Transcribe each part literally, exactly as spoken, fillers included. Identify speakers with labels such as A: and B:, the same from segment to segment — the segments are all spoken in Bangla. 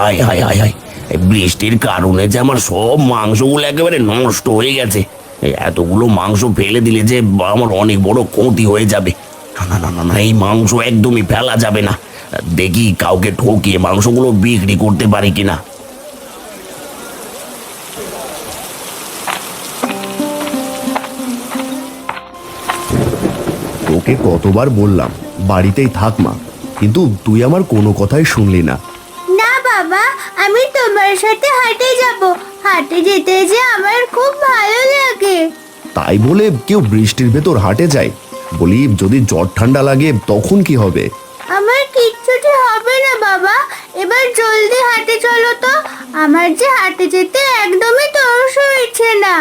A: হায় হায় হায় হায়, এই বৃষ্টির কারণে যে আমার সব মাংসগুলো একেবারে নষ্ট হয়ে গেছে। এই এতগুলো মাংস ফেলে দিলে যে আমার অনেক বড় ক্ষতি হয়ে যাবে। না না না না না, এই মাংস একদমই ফেলা যাবে না। দেখি কাউকে ঠকিয়ে মাংসগুলো বিক্রি করতে পারি কিনা।
B: তোকে কতবার বললাম বাড়িতেই থাক মা, কিন্তু তুই আমার কোনো কথাই শুনলি না।
C: না বাবা, আমি তোমার সাথে হাটে যাব। হাটে যেতে যে আমার খুব ভালো লাগে।
B: তাই বলে কেউ বৃষ্টির ভেতর হাটে যায়? বলি যদি জ্বর ঠান্ডা লাগে তখন কি হবে?
C: আমার কিচ্ছুটি হবে না বাবা, এবার জলদি হাটে চলো তো। আমার যে হাটে যেতে একদমই তরস হচ্ছে না।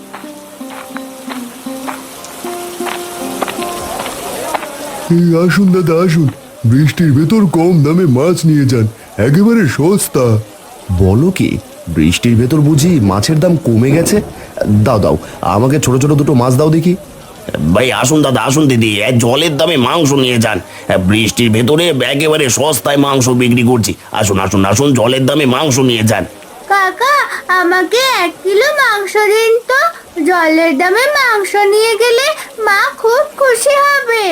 B: এই আসুন দাদা আসুন, বৃষ্টির ভেতর কম দামে মাছ নিয়ে যান, একেবারে সস্তা। বলো কি, বৃষ্টির ভেতর বুঝি মাছের দাম কমে গেছে? দাও দাও, আমাকে ছোট ছোট দুটো মাছ দাও দেখি।
A: ভাই আসুন দাদা, আসুন দিদি, এই জলের দামে মাংস নিয়ে যান। বৃষ্টির ভেতরে একেবারে সস্তায় মাংস বিক্রি করছি। আসুন আসুন আসুন, জলের দামে মাংস নিয়ে যান।
C: কাকা, আমাকে এক কিলো মাংস দিন তো। জলের দামে মাংস নিয়ে গেলে মা খুব খুশি হবে।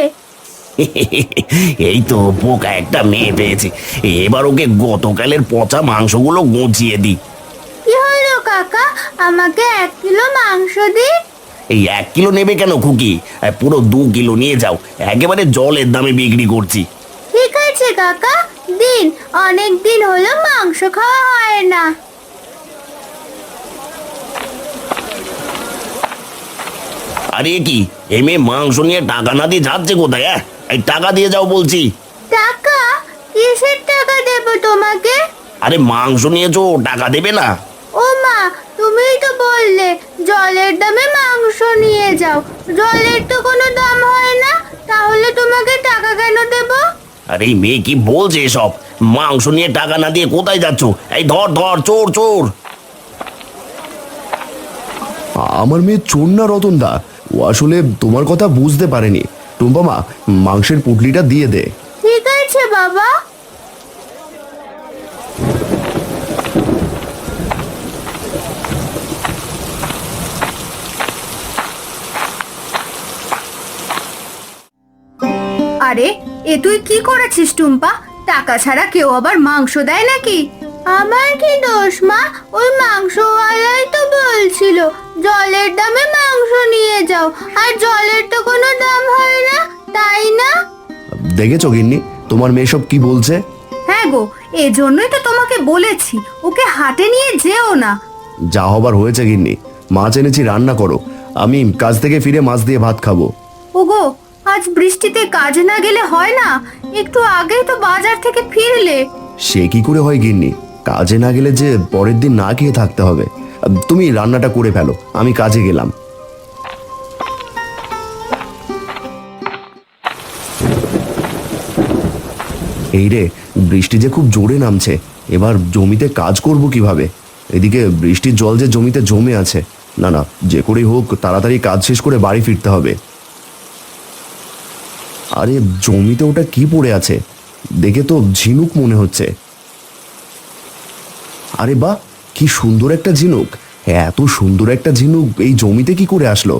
A: এই তো পোকা একটা মেয়ে পেয়েছি, এবার ওকে গতকালের পচা মাংসগুলো গুছিয়ে দিই।
C: কি হলো কাকা, আমাকে এক কিলো মাংস দিন।
A: এই এক কিলো নেবে কেন খুকি? পুরো দু কিলো নিয়ে যাও, একেবারে জলের দামে বিক্রি করছি।
C: ঠিক আছে কাকা, দিন। অনেক দিন হলো মাংস খাওয়া হয় না।
A: আরে কি, এই মেয়ে মাংস নিয়ে টাকা না দিয়ে যাচ্ছে কোথায়? হ্যাঁ, এই টাকা দিয়ে যাও বলছি।
C: টাকা? কিসের টাকা দেব তোমাকে?
A: আরে মাংস নিয়েছো, টাকা দেবে না?
C: ও মা, তুমিই তো বললে জলের দামে মাংস নিয়ে যাও। জলের তো কোনো দাম হয় না, তাহলে তোমাকে টাকা কেন দেব?
A: আরে এই মেয়ে কি বলছে এসব? মাংস নিয়ে টাকা না দিয়ে কোথায় যাচ্ছ? এই ধর ধর, চোর চোর।
B: আমার মেয়ে চোর না রতন দা, ও আসলে তোমার কথা বুঝতে পারেনি। টুম্পা মা, মাংসের পুটলিটা দিয়ে দে।
C: ঠিক আছে বাবা।
D: আরে, এ তুই কি করেছিস টুম্পা? টাকা ছাড়া কেউ আবার মাংস দেয় নাকি?
C: আমার কি দোষ মা? ওই মাংসওয়ালাই তো বলছিল জলের দামে মাংস নিয়ে যাও, আর জলের তো কোনো দাম হয় না, তাই না?
B: দেখেছো গিন্নি, তোমার মেয়ে সব কি বলছে?
D: হ্যাঁ গো, এজন্যই তো তোমাকে বলেছি ওকে হাটে নিয়ে যেও না।
B: যা হবার হয়েছে গিন্নি, মাছ এনেছি রান্না করো, আমি কাজ থেকে ফিরে মাছ দিয়ে ভাত খাবো।
D: ওগো, আজ বৃষ্টিতে কাজে না গেলে হয় না? একটু আগেই তো বাজার থেকে ফিরলে।
B: সে কি করে হয় গিন্নি, কাজে না গেলে যে পরের দিন না খেয়ে থাকতে হবে। তুমি রান্নাটা করে ফেলো, আমি কাজে গেলাম। এই রে, বৃষ্টি যে খুব জোরে নামছে, এবার জমিতে কাজ করব কিভাবে? এদিকে বৃষ্টির জল যে জমিতে জমে আছে। না না, যে করেই হোক তাড়াতাড়ি কাজ শেষ করে বাড়ি ফিরতে হবে। আরে জমিতে ওটা কি পড়ে আছে? দেখে তো ঝিনুক মনে হচ্ছে। আরে বাহ, কি সুন্দর একটা ঝিনুক! এত সুন্দর একটা ঝিনুক এই জমিতে কি করে আসলো?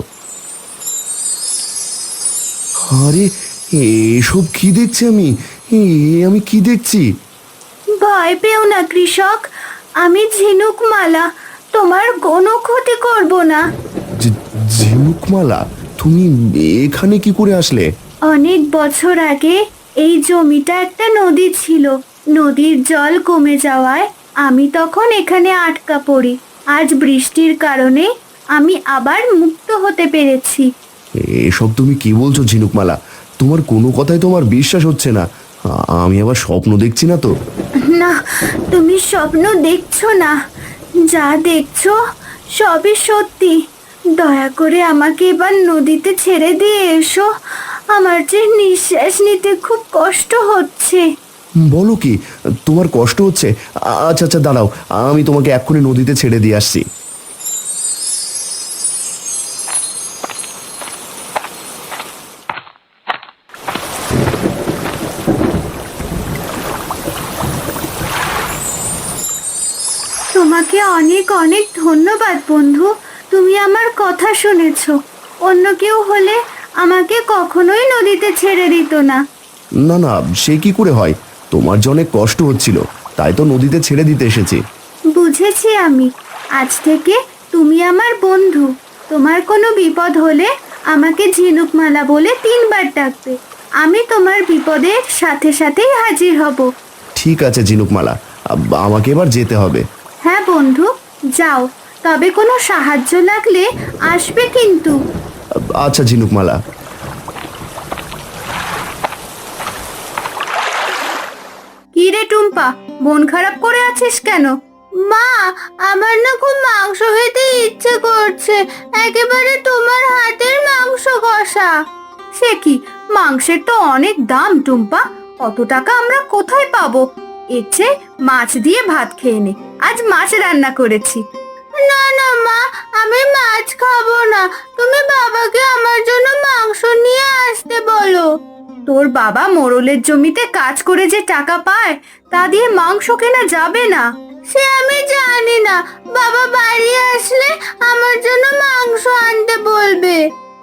B: আরে এসব কি দেখছি আমি? এ আমি কি দেখছি?
D: ভয় পেও না কৃষক, আমি ঝিনুকমালা, তোমার কোনো ক্ষতি করব না।
B: ঝিনুকমালা, তুমি এখানে কি করে আসলে?
D: অনেক বছর আগে এই জমিটা একটা নদী ছিল। নদীর জল কমে যাওয়ায় আমি তখন এখানে আটকা পড়ি। আজ বৃষ্টির কারণে আমি আবার মুক্ত হতে পেরেছি।
B: এসব তুমি কি বলছো ঝিনুকমালা? তোমার কোনো কথাই তোমার বিশ্বাস হচ্ছে না। আমি আবার স্বপ্ন দেখছি না তো?
D: না, তুমি স্বপ্ন দেখছো না, যা দেখছো সবই সত্যি। দয়া করে আমাকে এবার নদীতে ছেড়ে দিয়ে এসো, আমার যে নিঃশ্বাস নিতে খুব কষ্ট হচ্ছে।
B: বলো কি, তোমার কষ্ট হচ্ছে? আচ্ছা আচ্ছা দাঁড়াও, আমি তোমাকে এক্ষুনি নদীতে ছেড়ে দিয়ে আসছি।
D: তোমাকে অনেক অনেক ধন্যবাদ বন্ধু। তুমি আমার কথা শুনেছো। অন্য কেউ হলে আমাকে কখনোই নদীতে ছেড়ে দিত না।
B: না না, সে কি করে হয়? তোমার যে অনেক কষ্ট হচ্ছিল, তাই তো নদীতে ছেড়ে দিতে এসেছি।
D: বুঝেছি আমি। আজ থেকে তুমি আমার বন্ধু। তোমার কোনো বিপদ হলে আমাকে ঝিনুকমালা বলে তিনবার ডাকবে। আমি তোমার বিপদের সাথে সাথেই হাজির হব।
B: ঠিক আছে ঝিনুকমালা, আ- আমাকে এবার যেতে হবে।
D: হ্যাঁ বন্ধু, যাও। তবে কোনো সাহায্য লাগলে আসবে কিন্তু।
B: আচ্ছা ঝিনুকমালা।
D: কি রে টুম্পা, মন খারাপ করে আছিস কেন?
C: মা, আমার না খুব মাংস খেতে ইচ্ছে করছে, একেবারে তোমার হাতের মাংস কষা।
D: সে কি, মাংসের তো অনেক দাম টুম্পা। অত টাকা আমরা কোথায় পাবো? এর চেয়ে মাছ দিয়ে ভাত খেয়ে নে। আজ মাছ রান্না করেছি।
C: না না মা, আমি মাছ খাবো না। তুমি বাবাকে আমার জন্য মাংস নিয়ে আসতে বলো।
D: তোর বাবা মোড়লের জমিতে কাজ করে যে টাকা পায়, তা দিয়ে মাংস কেনা যাবে না।
C: সে আমি জানি না, বাবা বাড়ি আসলে আমার জন্য মাংস আনতে বলবে।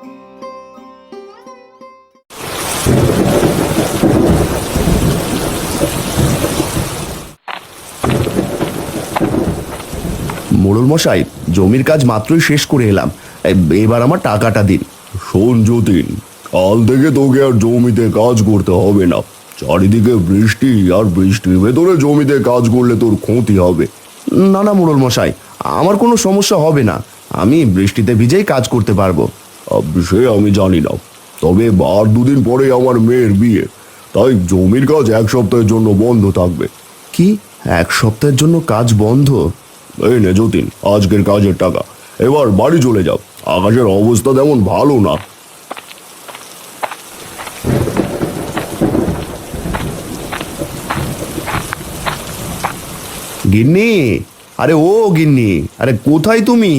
B: মোড়ল মশাই, জমির কাজ মাত্রই শেষ করে এলাম। এ- এবার আমার টাকাটা দিন। শোন যতীন, কাল থেকে তোকে আর জমিতে কাজ করতে হবে না। চারিদিকে বৃষ্টি, আর বৃষ্টির ভেতরে জমিতে কাজ করলে তোর ক্ষতি হবে। না না মোড়ল মশাই, আমার কোনো সমস্যা হবে না। আমি বৃষ্টিতে ভিজেই কাজ করতে পারবো। সে আমি জানি না, তবে আর দুদিন পরে আমার মেয়ের বিয়ে, তাই জমির কাজ এক সপ্তাহের জন্য বন্ধ থাকবে। কি, এক সপ্তাহের জন্য কাজ বন্ধ? এই নে যতীন, আজকের কাজের টাকা। এবার বাড়ি চলে যাও, আকাশের অবস্থা তেমন ভালো না। গিন্নি, আরে ও গিন্নি, আরে কোথায় তুমি?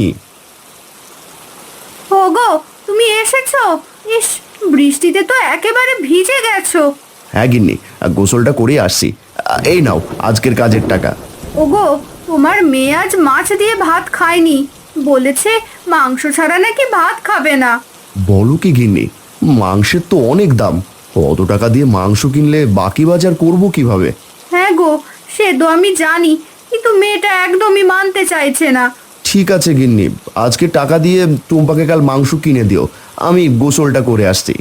D: ওগো, তুমি এসেছো? ইস, বৃষ্টিতে তো একেবারে ভিজে গেছো।
B: হ্যাঁ গিন্নি, গোসলটা করে আসছি। এই নাও আজকের কাজের টাকা।
D: ওগো, তোমার মেয়ে আজ মাছ দিয়ে ভাত খায়নি। বলেছে মাংস ছাড়া নাকি ভাত খাবে না।
B: বলো কি গিন্নি, মাংসের তো অনেক দাম। অত টাকা দিয়ে মাংস কিনলে বাকি বাজার করব কিভাবে?
D: হ্যাঁ গো, সে তো আমি জানি, কিন্তু মেয়েটা একদমই মানতে চাইছে না।
B: ঠিক আছে গিন্নি, আজকে টাকা দিয়ে টুম্পাকে কাল মাংস কিনে দিও। আমি গোসলটা করে আসছি।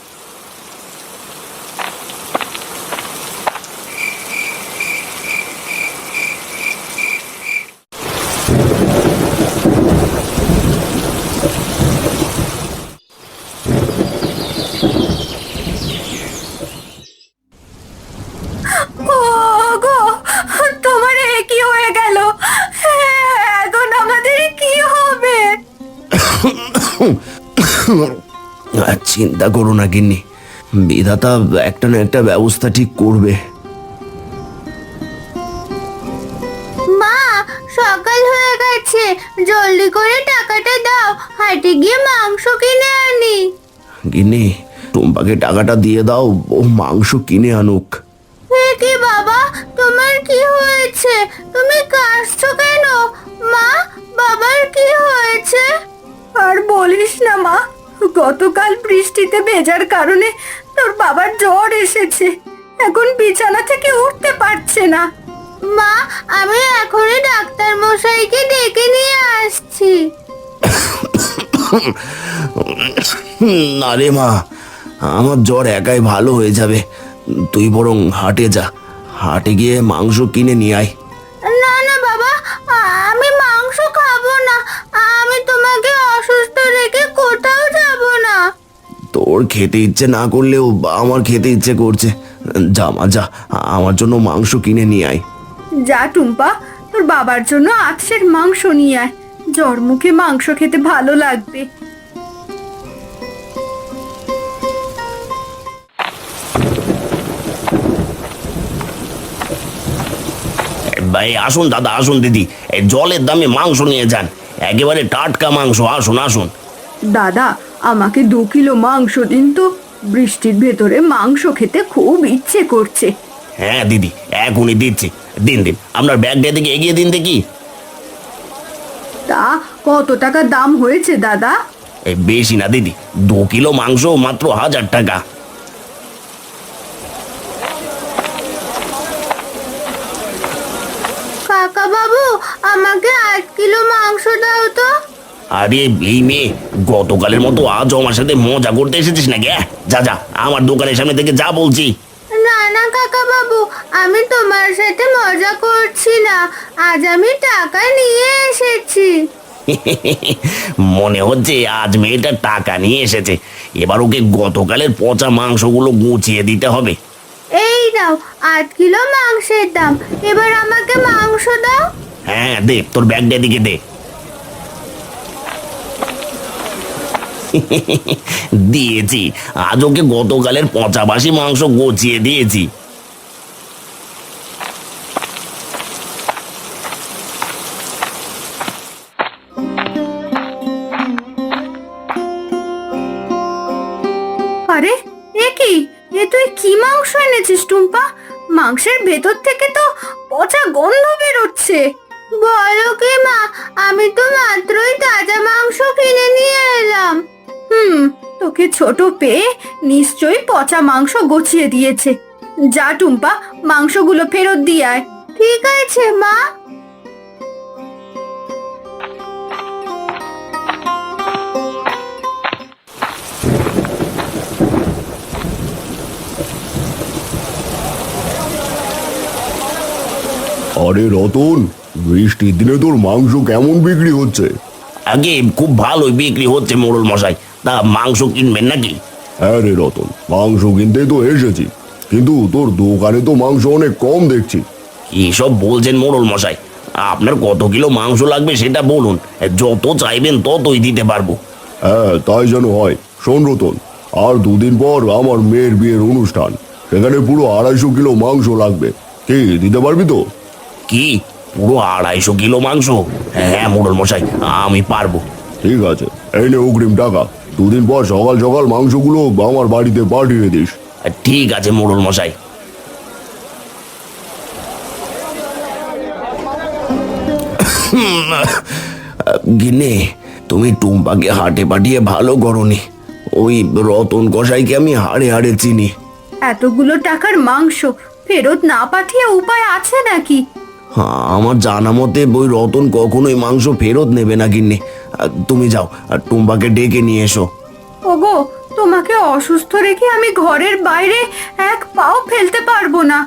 D: ওগো, তোমার এ কি হয়ে গেল? এখন আমাদের কি হবে?
A: আর চিন্তা করো না গিন্নি, বিধাতা একটা না একটা ব্যবস্থা ঠিক করবে।
C: মা, সকাল হয়ে গেছে, জলদি করে টাকাটা দাও, হাটে গিয়ে মাংস কিনে আনি।
A: গিন্নি, টুম্পাকে টাকাটা দিয়ে দাও, ও মাংস কিনে আনুক।
C: হে কি বাবা, তোমার কি হয়েছে? তুমি কাঁদছো কেন? মা, বাবার কি হয়েছে?
D: আর বলিস না মা, গতকাল বৃষ্টিতে ভেজার কারণে তোর বাবার জ্বর এসেছে। এখন বিছানা থেকে উঠতে পারছে না।
C: মা, আমি এখনই ডাক্তার মশাইকে ডেকে নিয়ে আসছি।
A: না রে মা, আমার জ্বর একাই ভালো হয়ে যাবে। তুই বরং হাটে যা, হাটে গিয়ে মাংস কিনে নিয়ে আয়।
C: না না বাবা, আমি মাংস খাবো না। আমি তোমাকে অসুস্থ রেখে কোথাও যাব না।
A: তোর খেতে ইচ্ছে না করলেও আমার খেতে ইচ্ছে করছে। যা মা যা, আমার জন্য মাংস কিনে নিয়ে আয়।
D: যা টুম্পা, তোর বাবার জন্য আজকের মাংস নিয়ে আয়। জ্বর মুখে মাংস খেতে ভালো লাগবে।
A: ভাই আসুন দাদা, আসুন দিদি, এই জলের দামে মাংস নিয়ে যান, একেবারে টাটকা মাংস। আসুন আসুন।
D: দাদা, আমাকে দু কিলো মাংস দিন তো। বৃষ্টির ভেতরে মাংস খেতে খুব ইচ্ছে করছে।
A: হ্যাঁ দিদি, এখনই দিচ্ছি। দিন দিন, আপনার ব্যাগটা দিকে এগিয়ে দিন দেখি।
D: কত টাকা দাম হয়েছে দাদা?
A: এই বেশি না দিদি, দু কিলো মাংস মাত্র হাজার টাকা।
C: কাকা বাবু, আমাকে আট কিলো মাংস দাও তো।
A: আরে এই মেয়ে, গতকালের মতো আজও আমার সাথে মজা করতে এসেছিস নাকি? আহ, যা যা আমার দোকানের সামনে থেকে যা বলছি।
C: না না কাকা বাবু, আমি তোমার সাথে মজা করছি না, আজ আমি টাকা নিয়ে এসেছি।
A: মনে হচ্ছে আজ মেয়েটা টাকা নিয়ে এসেছে। এবার ওকে গতকালের পচা মাংসগুলো গুছিয়ে দিতে হবে।
C: এই নাও আট কিলো মাংসের দাম, এবার আমাকে মাংস দাও।
A: হ্যাঁ দে, তোর ব্যাগটা দিকে দে। দিয়েছি, আজ ওকে গতকালের পচা বাসি মাংস গুছিয়ে দিয়েছি।
D: আরে এ কি, এ তুই কি মাংস এনেছিস টুম্পা? মাংসের ভেতর থেকে তো পচা গন্ধ বেরোচ্ছে।
C: বলো কি মা, আমি তো মাত্রই তাজা মাংস কিনে নিয়ে এলাম।
D: হুম, তোকে ছোট পেয়ে নিশ্চয়ই পচা মাংস গছিয়ে দিয়েছে। যা টুম্পা, মাংসগুলো ফেরত দিয়ে আয়।
C: ঠিক আছে মা।
B: আরে রতন, বৃষ্টির দিনে তোর মাংস কেমন বিক্রি হচ্ছে?
A: আগে খুব ভালোই বিক্রি হচ্ছে মোড়ল মশাই। তা মাংস কিনবেন নাকি?
B: হ্যাঁ রে রতন, মাংস কিনতেই তো এসেছি, কিন্তু তোর দোকানে তো মাংস অনেক কম দেখছি।
A: এসব বলছেন মোড়ল মশাই? আপনার কত কিলো মাংস লাগবে সেটা বলুন, যত চাইবেন ততই দিতে পারবো।
B: হ্যাঁ তাই যেন হয়। শোন রতন, আর দুদিন পর আমার মেয়ের বিয়ের অনুষ্ঠান, সেখানে পুরো আড়াইশো কিলো মাংস লাগবে। কি দিতে পারবি তো?
A: কি, পুরো আড়াইশো কিলো মাংস? হ্যাঁ মোড়ল মশাই, আমি পারবো।
B: ঠিক আছে, এই নে অগ্রিম টাকা। দুদিন পর সকাল সকাল মাংসগুলো আমার বাড়িতে পাঠিয়ে দিস।
A: ঠিক আছে মোড়ল মশাই। গিন্নি, তুমি টুম্পাকে হাটে পাঠিয়ে ভালো করনি। ওই রতন কসাইকে আমি হাড়ে হাড়ে চিনি।
D: এতগুলো টাকার মাংস ফেরত না পাঠিয়ে উপায় আছে নাকি?
A: হ্যাঁ, আমার জানা মতে ওই রতন কখনোই মাংস ফেরত নেবে না গিন্নি। আহ, তুমি যাও আর টুম্পাকে ডেকে নিয়ে এসো।
D: ওগো, তোমাকে অসুস্থ রেখে আমি ঘরের বাইরে এক পাও ফেলতে পারবো না।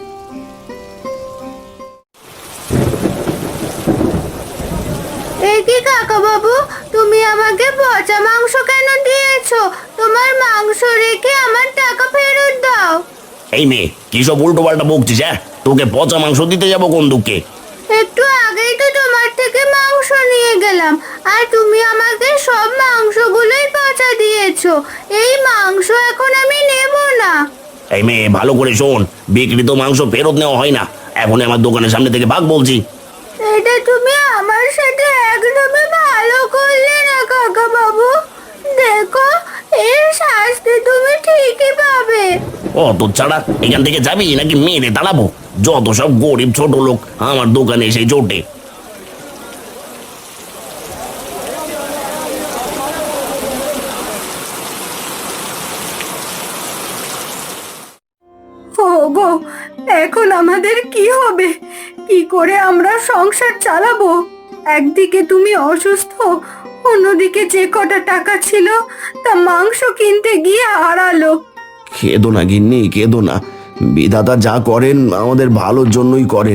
C: এ কি কাকা বাবু, তুমি আমাকে পচা মাংস কেন দিয়েছো? তোমার মাংস রেখে আমার টাকা ফেরত দাও।
A: এই মেয়ে, কি সব উল্টো পাল্টা বকছিস? হ্যাঁ, তোকে পচা মাংস দিতে যাবো কোন দুঃখে?
C: একটু আগেই তো তোমার থেকে মাংস নিয়ে গেলাম, আর তুমি আমাকে সব মাংসগুলোই পচা দিয়েছো। এই মাংস এখন আমি নেব না।
A: এই মেয়ে, ভালো করে শোন, বিক্রিত মাংস ফেরত নেওয়া হয় না। এখন আমার দোকানের সামনে থেকে ভাগ বলছি।
C: এটা তুমি আমার সাথে একদমই ভালো করলে না কাকা বাবু। দেখো, এর শাস্তি তুমি ঠিকই পাবে।
A: ও তো ছাড়া, এখান থেকে যাবি নাকি মেরে দাঁড়াবো? যত সব গরিব ছোট লোক আমার দোকানে এসে জোটে।
D: ওগো, এখন আমাদের কি হবে? কি করে আমরা সংসার চালাবো? একদিকে তুমি অসুস্থ, অন্যদিকে যে কটা টাকা ছিল তা মাংস কিনতে গিয়ে হারালো।
A: কেঁদো না গিন্নি, কেঁদো না। বিধাতা যা করেন আমাদের ভালোর জন্যই করেন।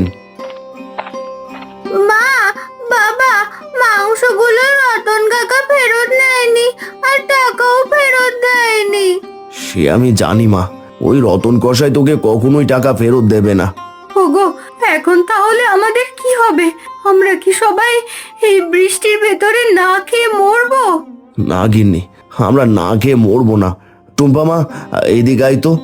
C: মা, বাবা, মাংসগুলো রতন কাকা ফেরত নেয়নি, আর টাকাও ফেরত দেয়নি।
A: সে আমি জানি মা, ওই রতন কষাই তোকে কখনোই টাকা ফেরত দেবে না।
D: ওগো, এখন তাহলে আমাদের কি হবে? আমরা কি সবাই এই বৃষ্টির ভেতরে না খেয়ে মরবো?
A: না গিন্নি, আমরা না খেয়ে মরবো না। টুম্পা মা, এদিকে আয় তো।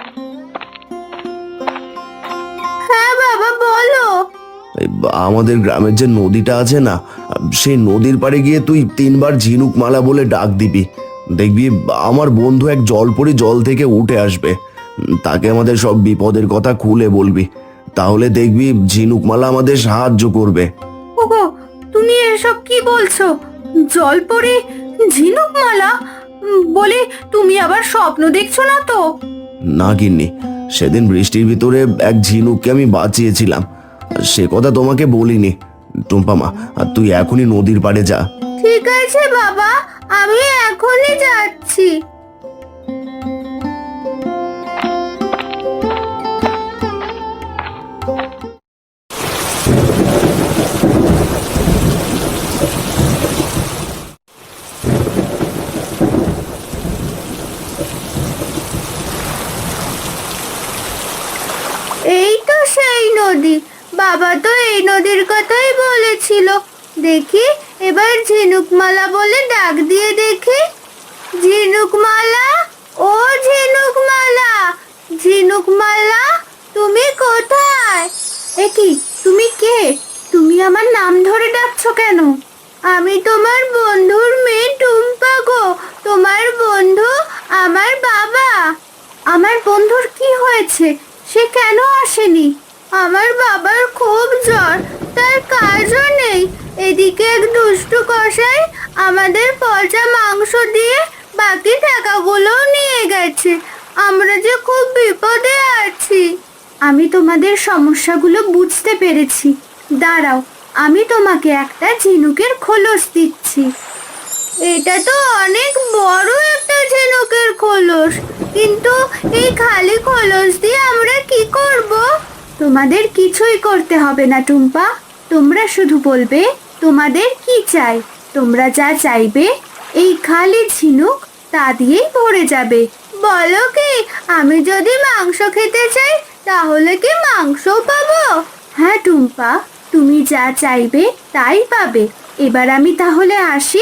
C: হ্যাঁ বাবা, বলো।
A: এই আমাদের গ্রামের যে নদীটা আছে না, সেই নদীর পাড়ে গিয়ে তুই তিনবার ঝিনুক মালা বলে ডাক দিবি। দেখবি আমার বন্ধু এক জলপরি জল থেকে উঠে আসবে। তাকে আমাদের সব বিপদের কথা খুলে বলবি, তাহলে দেখবি ঝিনুক মালা আমাদের সাহায্য করবে।
D: ওগো, তুমি এসব কি বলছো? জল পড়ে ঝিনুক মালা? উম, বলে তুমি আবার স্বপ্ন দেখছো না তো?
B: না গিন্নি, সেদিন বৃষ্টির ভিতরে এক ঝিনুককে আমি বাঁচিয়েছিলাম, সে কথা তোমাকে বলিনি। টুম্পা মা, তুই এখনই নদীর পাড়ে যা।
C: ঠিক আছে বাবা, আমি এখনই যাচ্ছি। এই তো সেই নদী। বাবা তো এই নদীর কথাই বলেছিল। দেখি এবার ঝিনুকমালা বলে ডাক দিয়ে দেখি। ঝিনুকমালা, ও ঝিনুকমালা, ঝিনুকমালা, তুমি কোথায়?
D: এ কি, তুমি কে? তুমি আমার নাম ধরে ডাকছো কেন?
C: আমি তোমার বন্ধুর মেয়ে টুম্পা গো। তোমার বন্ধু আমার বাবা।
D: আমার বন্ধুর কি হয়েছে? সে কেন আসেনি?
C: আমার বাবার খুব জ্বর, তার কাজও নেই। এদিকে এক দুষ্টু কসাই আমাদের পচা মাংস দিয়ে বাকি টাকাগুলোও নিয়ে গেছে। আমরা যে খুব বিপদে আছি।
D: আমি তোমাদের সমস্যাগুলো বুঝতে পেরেছি। দাঁড়াও, আমি তোমাকে একটা ঝিনুকের খোলস দিচ্ছি।
C: এটা তো অনেক বড় একটা ঝিনুকের খোলস, কিন্তু এই খালি খোলস দিয়ে আমরা কি করব?
D: তোমাদের কিছুই করতে হবে না টুম্পা। তোমরা শুধু বলবে তোমাদের কি চাই। তোমরা যা চাইবে এই খালি ঝিনুক তা দিয়েই ভরে যাবে।
C: বলো কি, আমি যদি মাংস খেতে চাই তাহলে কি মাংস পাবো?
D: হ্যাঁ টুম্পা, তুমি যা চাইবে তাই পাবে। এবার আমি তাহলে আসি।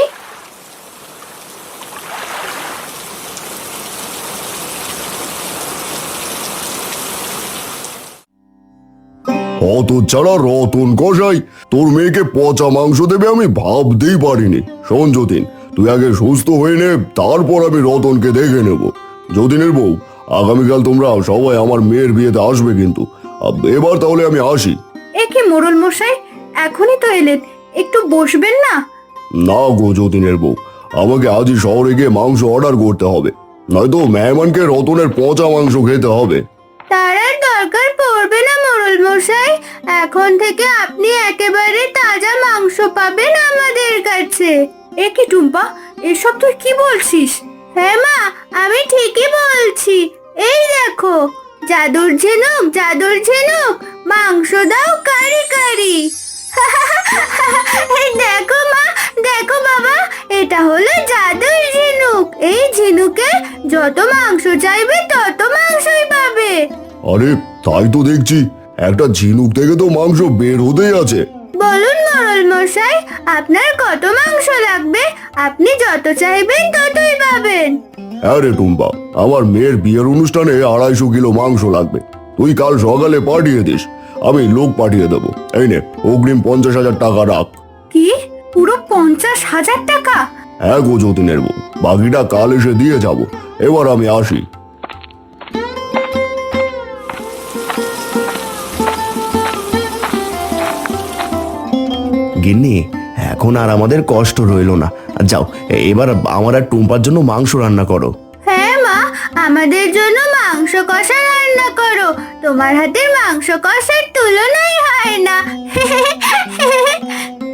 B: অত ছাড়া রতন কষাই তোর মেয়েকে পচা মাংস দেবে আমি ভাবতেই পারিনি। শোন যতীন, তুই আগে সুস্থ হয়ে নে, তারপর আমি রতনকে দেখে নেব। যতীনের বউ, আগামীকাল তোমরা সবাই আমার মেয়ের বিয়েতে আসবে কিন্তু। আব- এবার তাহলে আমি আসি।
D: এ কি মোড়ল মশাই, এখনই তো এলেন, একটু বসবেন না?
B: না গো যতীনের বউ, আমাকে আজই শহরে গিয়ে মাংস অর্ডার করতে হবে, নয়তো মেহমানকে রতনের পচা মাংস খেতে হবে।
C: তার আর দরকার পড়বে না মোড়ল মশাই। এখন থেকে আপনি একেবারে তাজা মাংস পাবেন আমাদের কাছে।
D: এ কি টুম্পা, এসব তুই কি বলছিস?
C: হ্যাঁ মা, আমি ঠিকই বলছি। এই দেখো, জাদুর ঝিনুক, জাদুর ঝিনুক, মাংস দাও কারি কারি। এই দেখো মা, দেখো বাবা, এটা হলো জাদুর ঝিনুক। এই ঝিনুকে যত মাংস চাইবে তত মাংসই পাবে।
B: আরে তাই তো দেখছি, একটা ঝিনুক থেকে তো মাংস বের হতেই আছে।
C: বলুন মোড়ল মশাই, আপনার কত মাংস লাগবে? আপনি যত চাইবেন ততই পাবেন।
B: হ্যাঁ রে টুম্পা, আমার মেয়ের বিয়ের অনুষ্ঠানে আড়াইশো কিলো মাংস লাগবে। তুই কাল সকালে পাঠিয়ে দিস, আমি লোক পাঠিয়ে দেবো। এই নে, অগ্রিম পঞ্চাশ হাজার টাকা রাখ।
D: কি, পুরো পঞ্চাশ হাজার টাকা?
B: হ্যাঁ গো যতীনের বউ, বাকিটা কাল এসে দিয়ে যাব। এবার আমি আসি। গিন্নি, এখন আর আমাদের কষ্ট রইলো না। যাও, এবার আমার আর টুম্পার জন্য মাংস রান্না করো।
C: হ্যাঁ মা, আমাদের জন্য মাংস কষা রান্না করো। তোমার হাতের মাংস কষার তুলনাই হয় না।